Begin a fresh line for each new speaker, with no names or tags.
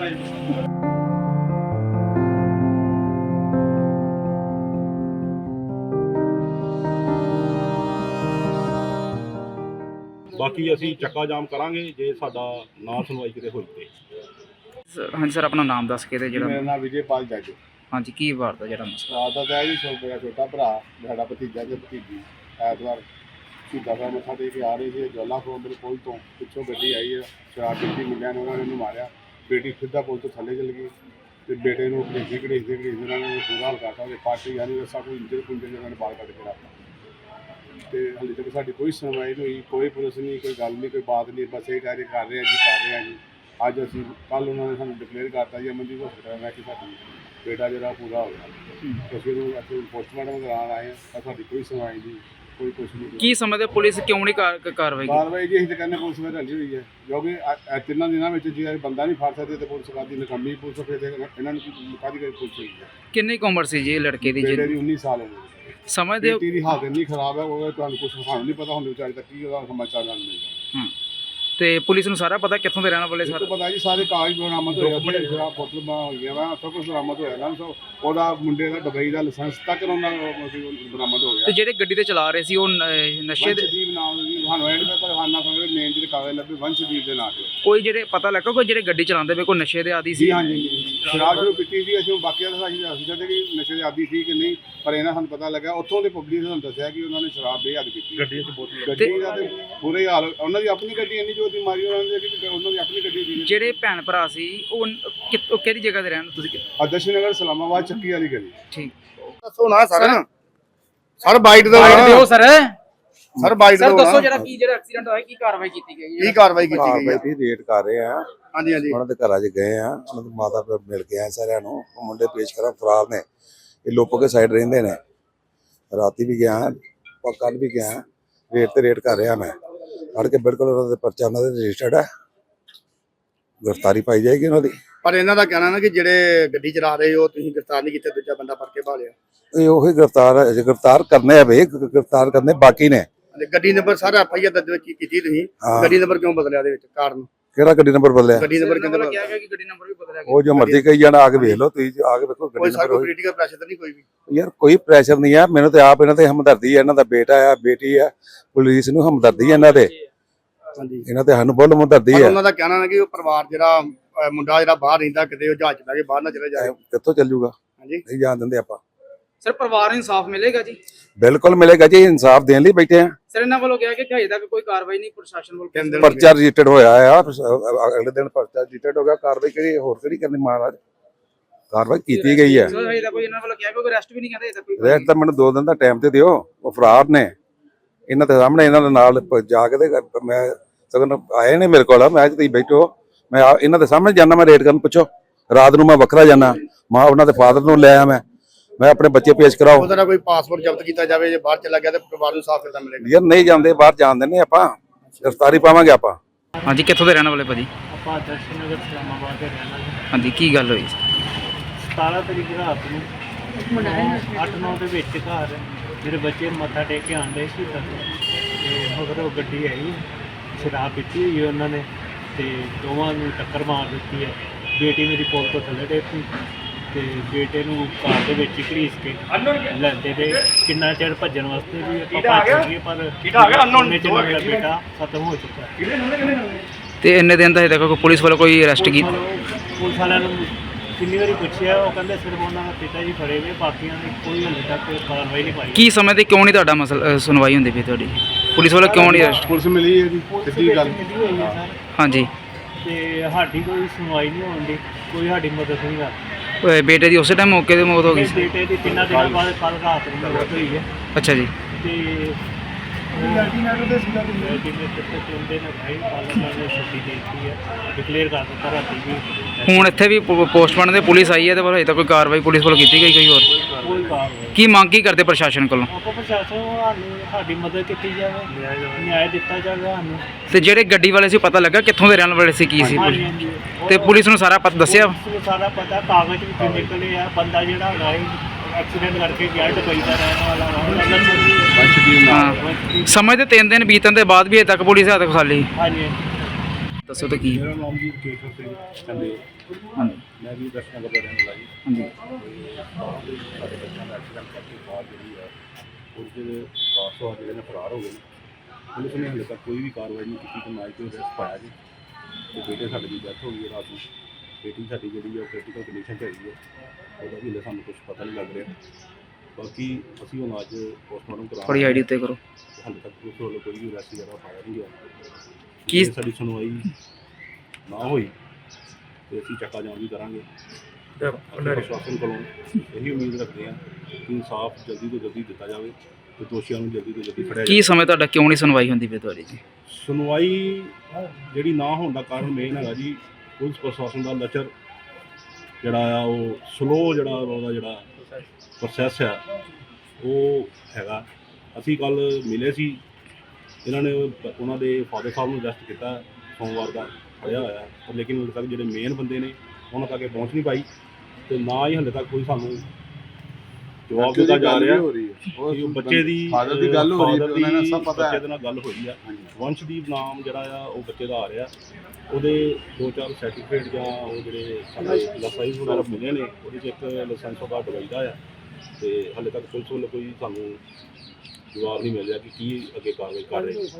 बाकी असी चक्का जाम करांगे जे साडा ना सुनवाई किते होई ते।
हाँ जी सर, अपना नाम दस के
मेरा नाम विजयपाल जज।
हाँ जी, की बात है जरा मसला
रात का जी मेरा छोटा भरा साडा भतीजा ते भतीजी ऐतवार शहीदा साहब मत्था टेक के आ रहे थे ज्वाला फ्रोम पुल तो पिछों गड्डी आई है शराब पीती मुंडिया ने उन्होंने मारिया बेटी सीधा पुल तो थले चल गई तो बेटे को घड़ीसते उन्होंने बुरा हाल करता पार्टी यानी रस्सा कोई इंजर पुंजर उन्होंने बाल कट के रखा तो हाले तक साड़ी कोई सुनवाई नहीं हुई, कोई पुलिस नहीं, कोई गल नहीं, कोई बात नहीं, बस ये कार्य कर रहे हैं जी। अज असी कल उन्होंने सानू डिकलेयर करता जी अमनदीप हॉस्पिटल में कि साडी बेटा जरा पूरा हो गया तो फिर असं पोस्टमार्टम कराने आए हैं पर साडी कोई सुनवाई नहीं, कोई कुछ नहीं।
की समझते पुलिस क्यों नहीं कार्रवाई
जी अं तो कहने पुलिस में रली हुई है क्योंकि 3 दिनों में जो बंदा नहीं फड़ सकते तो पुलिस का नकमी पुलिस फिर इन्होंने कादी पुलिस हुई है।
किन्नी उम्र सी जी लड़के की?
बेटे की 19 साल उम्र
समझते हो
बेटी की हालत इन्नी खराब है वो कुछ सानू नहीं पता होंगे बेचारे तक की समाचार मिलेगा।
ਤੇ ਪੁਲਿਸ ਨੂੰ ਸਾਰਾ ਪਤਾ ਕਿੱਥੋਂ ਦੇ ਰਹਿਣ ਵਾਲੇ
सारा पता जी सारे कागज बरामद होए शराब बोतल हुई है सब कुछ बरामद होया ना ਉਹਦਾ ਮੁੰਡੇ ਦਾ ਦੁਬਈ ਦਾ ਲਾਇਸੈਂਸ ਤੱਕ ਉਹਨਾਂ ਬਰਾਮਦ ਹੋ ਗਿਆ।
ਤੇ ਜਿਹੜੇ ਗੱਡੀ ਤੇ ਚਲਾ ਰਹੇ ਸੀ ਉਹ ਨਸ਼ੇ ਦੇ
ਵੰਸ਼ਦੀਪ ਨਾਮ ਦੀ ਸਾਨੂੰ ਐਡ ਦਾ ਪਰਹਾਨਾ ਸਮਝੇ ਮੇਨ ਜਿਹੜੇ ਕਾਗਜ਼ ਲੱਭੇ ਵੰਸ਼ਦੀਪ ਦੇ ਨਾਂ ਤੇ
ਕੋਈ ਜਿਹੜੇ ਪਤਾ ਲੱਗਾ ਕੋਈ ਜਿਹੜੇ ਗੱਡੀ ਚਲਾਉਂਦੇ ਵੇ ਕੋਈ ਨਸ਼ੇ ਦੇ ਆਦੀ ਸੀ?
ਜੀ ਹਾਂਜੀ ਸ਼ਰਾਬ ਨੂੰ ਪੀਤੀ ਸੀ ਅਸੀਂ ਬਾਕੀਆਂ ਦਾ ਅਸੀਂ ਦੱਸਦੇ ਕਿ ਨਸ਼ੇ ਦੇ ਆਦੀ ਸੀ ਕਿ ਨਹੀਂ ਪਰ ਇਹਨਾਂ ਸਾਨੂੰ ਪਤਾ ਲੱਗਾ ਉੱਥੋਂ ਦੇ ਪਬਲਿਕ ਨੇ ਸਾਨੂੰ ਦੱਸਿਆ ਕਿ ਉਹਨਾਂ ਨੇ ਸ਼ਰਾਬ ਬੇਹੱਦ ਪੀਤੀ ਗੱਡੀ ਤੇ ਬੋਤਲ ਗੱਡੀ ਦਾ ਤੇ ਬੁਰੇ ਹਾਲ ਉਹਨਾਂ ਦੀ ਆਪਣੀ ਗੱਡੀ ਇੰਨੀ ਜੋ ਦੀ ਮਾਰੀ ਉਹਨਾਂ ਦੀ ਆਪਣੀ ਗੱਡੀ ਸੀ।
ਜਿਹੜੇ ਭੈਣ ਭਰਾ ਸੀ ਉਹ ਕਿਹੜੀ ਜਗ੍ਹਾ ਤੇ ਰਹਿਣ ਤੁਸੀਂ?
ਆਦਰਸ਼ ਨਗਰ ਸਲਾਮਾਬਾਦ ਚੱਕੀ ਵਾਲੀ ਗਲੀ।
ਠੀਕ
ਦੱਸੋ ਨਾ ਸਰ ਬਾਈਟ ਦਾ
ਦਿਓ ਸਰ
ਬਾਈਟ
ਸਰ ਦੱਸੋ ਜਿਹੜਾ ਐਕਸੀਡੈਂਟ ਹੋਇਆ ਕੀ ਕਾਰਵਾਈ ਕੀਤੀ ਗਈ ਹੈ?
ਕੀ ਕਾਰਵਾਈ ਕੀਤੀ ਗਈ ਹੈ?
ਵੀ ਰੇਟ ਕਰ ਰਹੇ ਆ।
ਹਾਂਜੀ ਹਾਂਜੀ
ਉਹਨਾਂ ਦੇ ਘਰਾਂ 'ਚ ਗਏ ਆ, ਉਹਨਾਂ ਦੀ ਮਾਤਾ ਪਿਤਾ ਮਿਲ ਕੇ ਆਏ ਸਾਰਿਆਂ ਨੂੰ। ਉਹ ਮੁੰਡੇ ਪੇਸ਼ ਕਰਾਂ ਫਰਾਰ ਨੇ, ਇਹ ਲੋਪੋ ਕੇ ਸਾਈਡ ਰਹਿੰਦੇ ਨੇ। ਰਾਤੀ ਵੀ ਗਿਆ ਕੱਲ ਵੀ ਗਿਆ ਰੇਟ ਤੇ ਰੇਟ ਕਰ ਰਿਹਾ ਮੈਂ ਫੜ ਕੇ ਬਿਲਕੁਲ ਉਹਨਾਂ ਦੇ ਪਰਚਾ ਉਹਨਾਂ ਦੇ ਰਜਿਸਟਰਡ ਹੈ, ਗ੍ਰਿਫਤਾਰੀ ਪਾਈ ਜਾਏਗੀ ਉਹਨਾਂ ਦੀ।
ਪਰ ਇਹਨਾਂ ਦਾ ਕਹਿਣਾ ਨਾ ਕਿ ਜਿਹੜੇ ਗੱਡੀ ਚਲਾ ਰਹੇ ਹੋ ਤੁਸੀਂ ਗ੍ਰਿਫਤਾਰ ਨਹੀਂ ਕੀਤੇ, ਦੂਜਾ ਬੰਦਾ ਫੜ ਕੇ ਭਾਲਿਆ।
ਇਹ ਉਹੀ ਗ੍ਰਿਫਤਾਰ ਕਰਨੇ ਆ ਬਈ, ਗ੍ਰਿਫਤਾਰ ਕਰਨੇ ਬਾਕੀ ਨੇ।
ਗੱਡੀ ਨੰਬਰ ਸਾਰਾ ਐਫਆਈਆਰ ਦਰਜ ਕੀਤੀ ਤੁਸੀਂ, ਗੱਡੀ ਨੰਬਰ ਕਿਉਂ ਬਦਲਿਆ ਦੇ ਵਿੱਚ ਕਾਰਨ?
ਕਿਹੜਾ ਗੱਡੀ ਨੰਬਰ ਬਦਲਿਆ?
ਗੱਡੀ ਨੰਬਰ ਕਹਿੰਦੇ
ਕਿਹਾ ਗਿਆ ਕਿ ਗੱਡੀ ਨੰਬਰ ਵੀ ਬਦਲਿਆ ਗਿਆ।
ਉਹ ਜੋ ਮਰਜ਼ੀ ਕਹੀ ਜਾਣਾ, ਆ ਕੇ ਵੇਖ ਲਓ ਤੁਸੀਂ, ਆ ਕੇ ਵੇਖੋ ਗੱਡੀ ਨੰਬਰ।
ਪੋਲੀਟੀਕਲ ਪ੍ਰੈਸ਼ਰ ਤਾਂ ਨਹੀਂ ਕੋਈ ਵੀ?
ਯਾਰ ਕੋਈ ਪ੍ਰੈਸ਼ਰ ਨਹੀਂ ਆ ਮੈਨੂੰ ਤੇ ਆਪ ਇਹਨਾਂ ਤੇ ਹਮਦਰਦੀ ਹੈ। ਇਹਨਾਂ ਦਾ ਬੇਟਾ ਆ ਬੇਟੀ ਆ, ਪੁਲਿਸ ਨੂੰ ਹਮਦਰਦੀ ਹੈ ਇਹਨਾਂ ਦੇ।
ਹਾਂਜੀ
ਇਹਨਾਂ ਤੇ ਸਾਨੂੰ ਬਹੁਤ ਹਮਦਰਦੀ ਹੈ।
ਉਹਨਾਂ ਦਾ ਕਹਿਣਾ ਹੈ ਕਿ ਉਹ ਪਰਿਵਾਰ ਜਿਹੜਾ ਮੁੰਡਾ ਜਿਹੜਾ ਬਾਹਰ ਰਹਿੰਦਾ ਕਿਤੇ ਉਹ ਜਹਾਜ਼ ਚ ਬਹਿ ਕੇ ਬਾਹਰ ਨਾ ਚਲੇ ਜਾਏ।
ਕਿੱਥੋਂ ਚੱਲ ਜੂਗਾ?
ਹਾਂਜੀ
ਨਹੀਂ ਜਾਣ ਦਿੰਦੇ ਆਪਾਂ।
ਸਰ ਪਰਿਵਾਰ ਨੂੰ ਇਨਸਾਫ ਮਿਲੇਗਾ ਜੀ?
ਬਿਲਕੁਲ ਮਿਲੇਗਾ ਜੀ, ਇਨਸਾਫ ਦੇਣ ਲਈ ਬੈਠੇ ਆ।
ਸਰ ਇਹਨਾਂ ਵੱਲੋਂ ਕਿਹਾ ਕਿ ਹਜੇ ਤੱਕ ਕੋਈ ਕਾਰਵਾਈ ਨਹੀਂ ਪ੍ਰਸ਼ਾਸਨ ਵੱਲੋਂ।
ਪਰਚਾ ਰਜਿਸਟਰਡ ਹੋਇਆ ਆ, ਅਗਲੇ ਦਿਨ ਪਰਚਾ ਰਜਿਸਟਰਡ ਹੋ ਗਿਆ। ਕਾਰਵਾਈ ਕਿਹੜੀ ਹੋਰ ਕਿਹੜੀ ਕਰਨੀ ਮਹਾਰਾਜ? ਕਾਰਵਾਈ ਕੀਤੀ ਗਈ ਹੈ।
ਸਰ ਹਜੇ ਤੱਕ ਕੋਈ ਇਹਨਾਂ ਵੱਲੋਂ ਕਿਹਾ ਕੋਈ ਅਰੈਸਟ ਵੀ ਨਹੀਂ ਕਹਿੰਦੇ ਹਜੇ ਤੱਕ ਕੋਈ।
ਰੈਸਟ ਤਾਂ ਮੈਨੂੰ 2 ਦਿਨ ਦਾ ਟਾਈਮ ਤੇ ਦਿਓ। ਉਹ ਫਰਾਰ ਨੇ, ਇਹਨਾਂ ਦੇ ਸਾਹਮਣੇ ਇਹਨਾਂ ਦੇ ਨਾਲ ਜਾ ਕੇ ਤੇ ਮੈਂ ਸਗਨ ਆਏ ਨੇ ਮੇਰੇ ਕੋਲ। ਮੈਂ ਤੁਸੀਂ ਬੈਠੋ, ਮੈਂ ਇਹਨਾਂ ਦੇ ਸਾਹਮਣੇ ਜਾਣਾ, ਮੈਂ ਰੇਟ ਕਰਨ ਪੁੱਛੋ। ਰਾਤ ਨੂੰ ਮੈਂ ਵੱਖਰਾ ਜਾਣਾ, ਮਾਂ ਉਹਨਾਂ ਦੇ ਫਾਦਰ ਨੂੰ ਲੈ ਆਇਆ ਮੈਂ ਆਪਣੇ ਬੱਚੇ ਪੇਸ਼ ਕਰਾਓ।
ਉਹਦਾ ਕੋਈ ਪਾਸਪੋਰਟ ਜ਼ਬਤ ਕੀਤਾ ਜਾਵੇ, ਜੇ ਬਾਹਰ ਚਲਾ ਗਿਆ ਤਾਂ ਪਰਿਵਾਰ ਨੂੰ ਸਾਫ਼ ਕਿੱਦਾਂ ਮਿਲੇਗਾ?
ਯਾਰ ਨਹੀਂ ਜਾਂਦੇ ਬਾਹਰ ਜਾਣ ਦਿੰਦੇ ਆਪਾਂ, ਗ੍ਰਿਫਤਾਰੀ ਪਾਵਾਂਗੇ ਆਪਾਂ।
ਹਾਂਜੀ ਕਿੱਥੋਂ ਦੇ ਰਹਿਣ ਵਾਲੇ ਭਾਜੀ?
ਆਪਾਂ ਆਦਰਸ਼ ਨਗਰ ਸਲਾਮਾਬਾਦ ਦੇ ਰਹਿਣ ਵਾਲੇ।
ਹਾਂਜੀ ਕੀ ਗੱਲ ਹੋਈ?
17 ਤਰੀਕ ਰਾਤ ਨੂੰ 8-9 ਦੇ ਵਿੱਚ ਘਰ ਮੇਰੇ ਬੱਚੇ ਮੱਥਾ ਟੇਕ ਕੇ ਆਉਂਦੇ ਸੀ ਤੇ ਮਗਰ ਉਹ ਗੱਡੀ ਆਈ, ਸ਼ਰਾਬ ਪੀਤੀ ਹੋਈ ਉਹਨਾਂ ਨੇ ਤੇ ਦੋਵਾਂ ਨੂੰ ਟੱਕਰ ਮਾਰ ਦਿੱਤੀ ਹੈ। ਬੇਟੀ ਮੇਰੀ ਪੁਲ ਤੋਂ ਥੱਲੇ ਡੇਪੀ ਤੇ ਬੇਟੇ ਨੂੰ ਕਾਰ ਦੇ ਵਿੱਚ ਹੀ ਘੜੀਸ ਕੇ ਲੈਂਦੇ ਤੇ ਕਿੰਨਾ ਚਿਰ ਭੱਜਣ ਵਾਸਤੇ ਵੀ ਆਪਾਂ ਭੱਜ ਗਏ ਪਰ ਉਹਨੇ ਚ ਮੇਰਾ ਬੇਟਾ ਖਤਮ ਹੋ ਚੁੱਕਾ।
ਤੇ ਇੰਨੇ ਦਿਨ ਦਾ ਹਜੇ ਤੱਕ ਕੋਈ ਪੁਲਿਸ ਵੱਲੋਂ ਕੋਈ ਅਰੈਸਟ ਕੀਤਾ?
ਪੁਲਿਸ ਵਾਲਿਆਂ ਨੂੰ ਕਿੰਨੀ ਵਾਰੀ ਪੁੱਛਿਆ, ਉਹ ਕਹਿੰਦੇ ਸਿਰਫ ਉਹਨਾਂ ਦਾ ਪਿਤਾ ਜੀ ਫੜੇ ਹੋਏ, ਬਾਕੀਆਂ ਦੀ ਕੋਈ ਹਾਲੇ ਤੱਕ ਕਾਰਵਾਈ ਨਹੀਂ ਪਾਈ।
ਕੀ ਸਮਝਦੇ ਕਿਉਂ ਨਹੀਂ ਤੁਹਾਡਾ ਮਸਲਾ ਸੁਣਵਾਈ ਹੁੰਦੀ ਪਈ ਤੁਹਾਡੀ? ਪੁਲਿਸ ਵੱਲੋਂ ਕਿਉਂ ਨਹੀਂ ਅਰੈਸਟ?
ਪੁਲਿਸ ਮਿਲੀ ਹੈ ਜੀ, ਸਿੱਧੀ ਗੱਲ।
ਮਿਲੀ ਹੋਈ ਹੈ ਸਰ
ਹਾਂਜੀ
ਤੇ ਸਾਡੀ ਕੋਈ ਸੁਣਵਾਈ ਨਹੀਂ ਹੋਣ ਦੀ, ਕੋਈ ਸਾਡੀ ਮਦਦ ਨਹੀਂ ਕਰਦਾ।
ਬੇਟੇ ਦੀ ਉਸੇ ਟਾਈਮ ਮੌਕੇ ਤੇ ਮੌਤ ਹੋ ਗਈ ਸੀ?
ਬੇਟੇ ਦੀ 3 ਦਿਨਾਂ ਬਾਅਦ ਕੱਲ ਰਾਤ ਨੂੰ ਮੌਤ ਹੋਈ ਹੈ।
ਅੱਛਾ ਜੀ।
ਤੇ ਡਿਕਲੇਅਰ ਕਰ ਦਿੱਤਾ ਰਾਤੀ ਵੀ।
ਹੁਣ ਇੱਥੇ ਵੀ ਪੋਸਟਮਾਰਟਮ ਦੇ ਪੁਲਿਸ ਆਈ ਹੈ ਤੇ ਪਰ ਹਜੇ ਤੱਕ ਕੋਈ ਕਾਰਵਾਈ ਪੁਲਿਸ ਵੱਲੋਂ ਕੀਤੀ ਗਈ ਕੋਈ ਹੋਰ?
ਕੋਈ ਕਾਰਵਾਈ
ਕੀ ਮੰਗ ਕੀ ਕਰਦੇ ਪ੍ਰਸ਼ਾਸਨ ਕੋਲੋਂ?
ਆਪਾਂ ਪ੍ਰਸ਼ਾਸਨ ਨੂੰ ਸਾਨੂੰ ਸਾਡੀ ਮਦਦ ਕੀਤੀ ਜਾਵੇ, ਨਿਆਂ ਦਿੱਤਾ ਜਾਵੇ ਸਾਨੂੰ।
ਤੇ ਜਿਹੜੇ ਗੱਡੀ ਵਾਲੇ ਸੀ ਪਤਾ ਲੱਗਾ ਕਿੱਥੋਂ ਦੇ ਰਹਿਣ ਵਾਲੇ ਸੀ, ਕੀ ਸੀ? ਤੇ ਪੁਲਿਸ ਨੂੰ ਸਾਰਾ ਪਤਾ ਦੱਸਿਆ?
ਸਾਰਾ ਪਤਾ, ਕਾਗਜ਼ ਵਿੱਚੋਂ ਨਿਕਲੇ ਆ। ਬੰਦਾ ਜਿਹੜਾ ਹੈਗਾ ਐਕਸੀਡੈਂਟ ਕਰਕੇ ਗਿਆ ਦੁਬਈ ਦਾ ਰਹਿਣ ਵਾਲਾ
ਹਾਂ ਸਮਝਦੇ 3 ਦਿਨ ਬੀਤਣ ਦੇ ਬਾਅਦ ਵੀ ਹਜੇ ਤੱਕ ਪੁਲਿਸ ਹੱਥ ਖਾਲੀ?
ਹਾਂਜੀ
ਦੱਸੋ ਤਾਂ ਕੀ?
ਮੇਰਾ ਨਾਮ ਜੀ ਕੇਸ਼ਵ ਸਿੰਘ ਚੰਦੇ।
ਹਾਂਜੀ
ਮੈਂ ਵੀ ਦਰਸ਼ਨ ਨਗਰ ਦਾ ਰਹਿਣ ਵਾਲਾ ਜੀ।
ਹਾਂਜੀ
ਤੇ ਸਾਡੇ ਬੱਚਿਆਂ ਦਾ ਐਕਸੀਡੈਂਟ ਕਰਕੇ ਬਾਅਦ ਜਿਹੜੀ ਆ ਉਹਦੇ ਕਾਰ ਜਿਹੜੇ ਨੇ ਫਰਾਰ ਹੋ ਗਏ ਨੇ। ਪੁਲਿਸ ਨੇ ਹਾਲੇ ਤੱਕ ਕੋਈ ਵੀ ਕਾਰਵਾਈ ਨਹੀਂ ਕੀਤੀ ਤੇ ਨਾ ਹੀ ਕੋਈ ਅਰੈਸਟ ਪਾਇਆ ਜੀ। ਤੇ ਬੇਟੇ ਸਾਡੇ ਦੀ ਡੈਥ ਹੋ ਗਈ ਹੈ ਰਾਤ ਨੂੰ। ਬੇਟੀ ਸਾਡੀ ਜਿਹੜੀ ਆ ਕ੍ਰਿਟੀਕਲ ਕੰਡੀਸ਼ਨ 'ਚ ਹੈਗੀ ਹੈ, ਉਹਦਾ ਵੀ ਹਾਲੇ ਸਾਨੂੰ ਕੁਝ ਪਤਾ ਨਹੀਂ ਲੱਗ ਰਿਹਾ। ਬਾਕੀ ਅਸੀਂ ਹੁਣ ਅੱਜ ਪੋਸਟਮਾਰਟਮ
ਥੋੜੀ
ਕਰਾਉਣਾ
ਆਈਡੀ ਉੱਤੇ ਕਰੋ।
ਹਾਲੇ ਤੱਕ ਪੁਲਿਸ ਵੱਲੋਂ ਕੋਈ ਵੀ ਅਰੈਸਟ ਵਗੈਰਾ ਪਾਇਆ ਨਹੀਂ ਗਿਆ।
ਕੀ-
ਜੇ ਸਾਡੀ ਸੁਣਵਾਈ ਨਾ ਹੋਈ ਤੇ ਅਸੀਂ ਚੱਕਾ ਜਾਮ ਵੀ ਕਰਾਂਗੇ। ਅਸੀਂ ਪ੍ਰਸ਼ਾਸਨ ਕੋਲੋਂ ਇਹੀ ਉਮੀਦ ਰੱਖਦੇ ਹਾਂ ਕਿ ਇਨਸਾਫ ਜਲਦੀ ਤੋਂ ਜਲਦੀ ਦਿੱਤਾ ਜਾਵੇ ਤੇ ਦੋਸ਼ੀਆਂ ਨੂੰ ਜਲਦੀ ਤੋਂ ਜਲਦੀ ਫੜਿਆ
ਕੀ
ਜਾਵੇ।
ਸਮੇਂ ਤੁਹਾਡਾ ਕਿਉਂ ਨਹੀਂ ਸੁਣਵਾਈ ਹੁੰਦੀ ਪਈ ਤੁਹਾਡੀ ਜੀ?
ਸੁਣਵਾਈ ਜਿਹੜੀ ਨਾ ਹੋਣ ਦਾ ਕਾਰਨ ਮੇਨ ਹੈਗਾ ਜੀ ਪੁਲਿਸ ਪ੍ਰਸ਼ਾਸਨ ਦਾ ਲਚਰ ਜਿਹੜਾ ਆ, ਉਹ ਸਲੋ ਜਿਹੜਾ ਉਹਦਾ ਜਿਹੜਾ ਪ੍ਰੋਸੈਸ ਆ ਉਹ ਹੈਗਾ। ਅਸੀਂ ਕੱਲ ਮਿਲੇ ਸੀ, ਇਹਨਾਂ ਨੇ ਉਹਨਾਂ ਦੇ ਫਾਦਰ ਸਾਹਿਬ ਨੂੰ ਅਰੈਸਟ ਕੀਤਾ ਸੋਮਵਾਰ ਦਾ, ਫੜਿਆ ਹੋਇਆ, ਪਰ ਲੇਕਿਨ ਹਾਲੇ ਤੱਕ ਜਿਹੜੇ ਮੇਨ ਬੰਦੇ ਨੇ ਉਹਨਾਂ ਤੱਕ ਇਹ ਪਹੁੰਚ ਨਹੀਂ ਪਾਈ ਤੇ ਨਾ ਹੀ ਹਾਲੇ ਤੱਕ ਕੋਈ ਸਾਨੂੰ ਜਵਾਬ ਦਿੱਤਾ ਜਾ ਰਿਹਾ। ਉਹ ਬੱਚੇ ਦੀ
ਫਾਦਰ ਦੀ ਗੱਲ ਹੋ ਰਹੀ ਹੈ, ਉਹਨਾਂ ਨੂੰ ਸਭ ਪਤਾ
ਬੱਚੇ
ਹੈ।
ਦੇ ਨਾਲ ਗੱਲ ਹੋਈ ਆ। ਵੰਸ਼ਦੀਪ ਨਾਮ ਜਿਹੜਾ ਆ ਉਹ ਬੱਚੇ ਦਾ ਆ ਰਿਹਾ। ਉਹਦੇ 2-4 ਸਰਟੀਫਿਕੇਟ ਜਾਂ ਉਹ ਜਿਹੜੇ ਸਾਡੇ ਲਾਇਸੈਂਸ ਵਗੈਰਾ ਮਿਲੇ ਨੇ, ਉਹਦੇ 'ਚ ਇੱਕ ਲਾਇਸੈਂਸ ਉਹਦਾ ਦੁਬਈ ਦਾ ਆ ਤੇ ਹਾਲੇ ਤੱਕ ਪੁਲਿਸ ਵੱਲੋਂ ਕੋਈ ਸਾਨੂੰ ਜਵਾਬ ਨਹੀਂ ਮਿਲ ਰਿਹਾ ਕਿ ਕੀ ਅੱਗੇ ਕਾਰਵਾਈ ਕਰ ਰਹੇ।